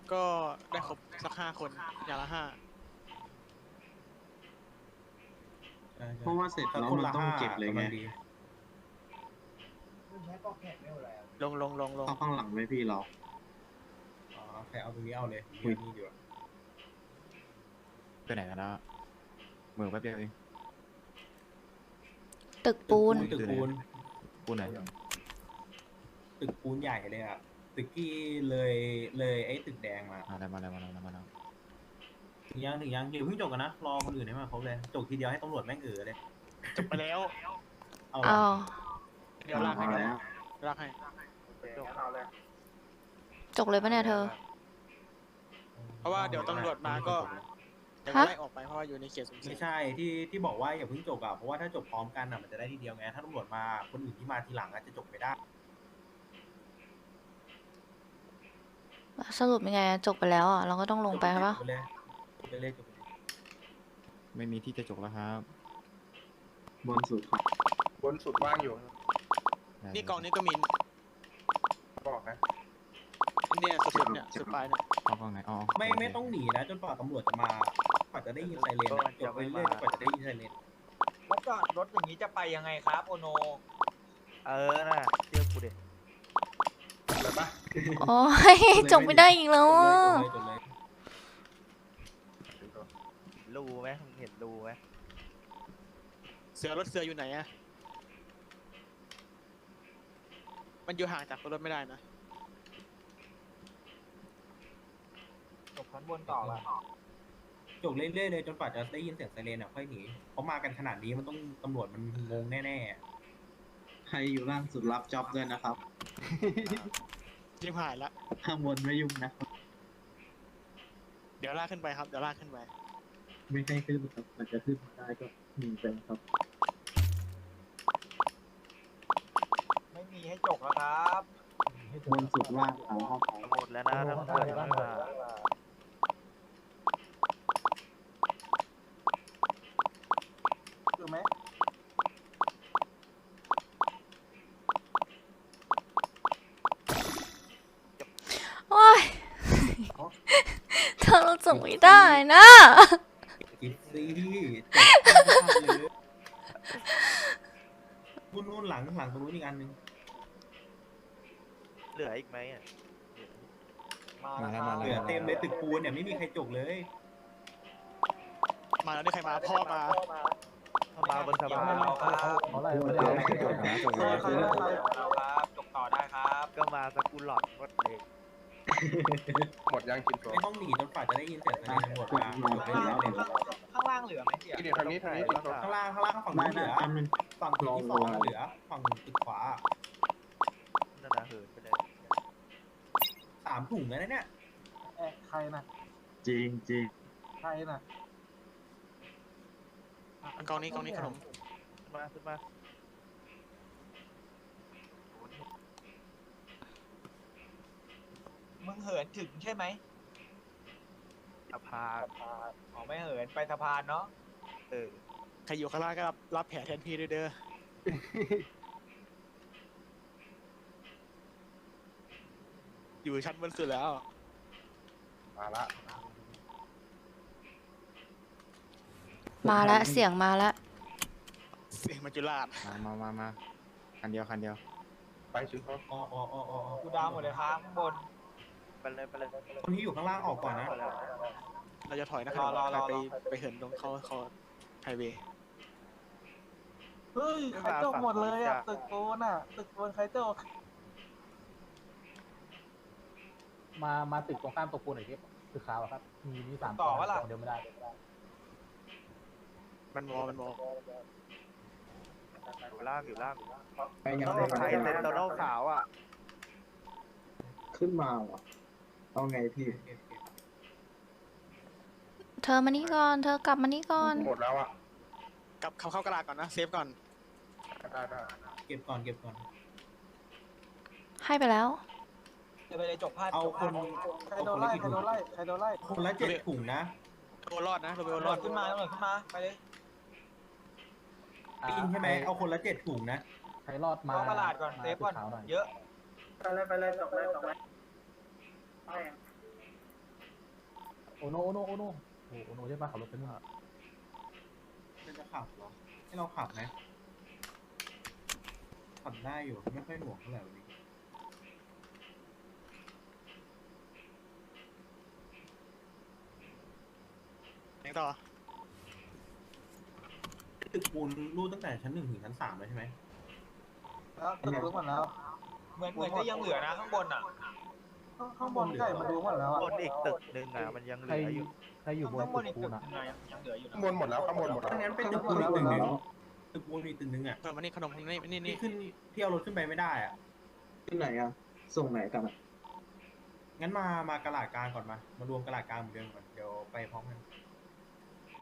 ก็ได้ครบสัก5 คนอย่างละ5 เพราะว่าเสร็จแล้วมันต้องเก็บเลยไงลงเข้าข้างหลังไหมพี่เราอ๋อใครเอาตรงนี้เอาเลยนี่ดีกว่าไปไหนกันแล้วเหมือนแป๊บเดียวเองตึกปูนตึกปูนปูนไหนตึกปูนใหญ่เลยอ่ะตึกที่เลยไอ้ตึกแดงมามาแล้วถึงยังอย่าเพิ่งจบกันนะรอคนอื่นให้มาครบเลยจบทีเดียวให้ตำรวจแม่งเลยจบไปแล้วเอาอ้าวเดี๋ยวลากให้เอาแล้วลากให้จกเลยปะเนี่ยเธอเพราะว่าเดี๋ยวตำรวจมาก็เดี๋ยวฮะไล่ออกไปเพราะว่าอยู่ในเขตสุ่มเสี่ไม่ยงใช่ที่บอกว่าอย่าเพิ่งจบอ่ะเพราะว่าถ้าจบพร้อมกันอ่ะมันจะได้ทีเดียวไงถ้าตำรวจมาคนอื่นที่มาทีหลังอาจจะจบไม่ได้สรุปยังไงอะจกไปแล้วอ่ะ เราก็ต้องลงไปครับปะจบเลยจบไปเลยไม่มีที่จะจกแล้วครับบนสุดครับบนสุดว่างอยู่นี่กองนี้ก็มีบอกนะเนี่ยสุดๆเนี่ยสุดปลายเนี่ยเข้ากล้องไหนอ๋อไม่ต้องหนีนะจนกว่าตำรวจจะมากว่าจะได้ยินไซเรนอะจบไปเรื่อยๆกว่าจะได้ยินไซเรนแล้วจอดรถอย่างนี้จะไปยังไงครับโอโนน่ะเชื่อกูดิอะไรปะโอ้ย จกไม่ได้อีกแล้วอะจบเลยรูไหมมึงเห็นรูไหมรถเสืออยู่ไหนอะมันอยู่ห่างจากรถไม่ได้นะจบชั้นบนต่อละจบเรื่อยๆเลยจนกว่าจะได้ยินเสียงไซเรนอ่ะค่อยหนีเพราะมากันขนาดนี้มันต้องตำรวจมันงงแน่ใครอยู่ล่างสุดรับจ็อบด้วยนะครับยิ่งหายละข้างบนไม่ยุ่งนะครับเดี๋ยวลากขึ้นไปครับเดี๋ยวลากขึ้นไปไม่ให้ขึ้นครับอาจจะขึ้นมาได้ก็มีไปครับไม่มีให้จกแล้วครับบนสุดว่างเอาเข้าไปหมดแล้วนะถ้ามึงเปิดยังไม่มาคือไหมโอ้ย เธอเราจกไม่ได้นะๆกิฟซี่จบนู่นหลังตรงนู้นอีกอันนึงเหลืออีกไหมอ่ะมาแล้วเหลือเต็มเลยตึกปูนเนี่ยไม่มีใครจบเลยมาแล้วนี่ใครมาพ่อมามาบนสะพานเราครับจกนะจกเลยเราครับจกต่อได้ครับก็มาสกุลหลอดวัดเลยหมดยังกินโซไม่ต้องหนีจนกว่าจะได้ยินเสียงไซเรนตำรวจมาจบไปแล้วเนี่ยข้างล่างเหลือไหมเสี่ยกินเดี๋ยวทางนี้กินโซข้างล่างฝั่งได้นู้นเหได้ลืออันนึงฝั่งตึกที่สองเหลือฝั่งตึกขวานั่นนะเหินไปเลย 3 ถุงแล้วเนี่ยใครนะจริงจริงใครนะกองนี้ขนมขึ้นมามึงเหินถึงใช่ไหมสะพานอ๋อไม่เหินไปสะพานเนาะใครอยู่ข้างล่างก็รับแผลแทนพี่ด้วยเด้อ อยู่ชั้นบนสุดแล้วมาละมาแล้วเสียงมาแล้วเสียงมัจจุราชมาคันเดียวไปชิ้นโซอ๋อกูดาวหมดเลยครับข้างบนไปเลยคนที่อยู่ข้างล่างออกก่อนนะเราจะถอยนะครับรอไปเหินตรงเขาไฮเวย์เฮ้ยใครจกหมดเลยอ่ะตึกโกนอ่ะตึกโกนใครจกมาตึกตรงข้ามตกปูนหน่อยที่ตึกขาวอะครับ มี3 ต่อวะล่ะคนเดียวไม่ได้มันมออยู่ล่างไปยังต้องไงใช้เซนโตโน่ขาวอ่ะขึ้นมาเหรอเอาไงพี่เธอมานี่ก่อน เธอกลับมานี่ก่อนหมดแล้วอ่ะกลับเข้ากระดาษก่อนนะเซฟก่อนได้เก็บก่อนให้ไปแล้วจะไปเลยจกพลาดเอาคนใครโดนไล่ใครโดนไล่ใครโดนไล่คนละ7 ถุงนะโดนรอดนะโดนตำรรวอจดขึ้นมาตำรวจขึ้นมาไปเลยได้ยินใช่ไหมเอาคนละ7 ถุงนะใครรอดมาเข้าตลาดก่อนเซฟก่อนตึขาวหน่อยเยอะไปเลยจบเลยโนโอโนโอโนโอโนใช่ปะขับรถไปนู่นจะขับเหรอให้เราขับไหมขับได้อยู่ไม่ค่อยหน่วงเท่าไหร่วันนี้ยังต่อตึกปูนรูดตั้งแต่ชั้น 1 ถึงชั้น 3เลยใช่ไหมแล้วตึกรู้หมดแล้วเหมือนจะยังเหลือนะข้างบนอ่ะข้างบนไก่มาดูหมดแล้วบนอีกตึกหนึ่งอ่ะมันยังเหใครลืออยู่ใครอยู่บนข้างบนตึอีกกปูตึกนอ่ะยังเหลืออยู่ข้างบนหมดแล้วข้างบนหมดแล้วถ้างั้นเป็นตึกปูนอีกตึกหนึ่งตึกปูนอีกตึกหนึ่งอ่ะเออมานี่ขนมนี่นี่ที่นี่ขึ้นที่เอารถขึ้นไปไม่ได้อ่ะที่ไหนอ่ะส่งไหนกันอ่ะงั้นมากระลาดกลางก่อนมารวมกระลาดกลางเหมือนเดิมก่อนเดี๋ยวไปพร้อมกัน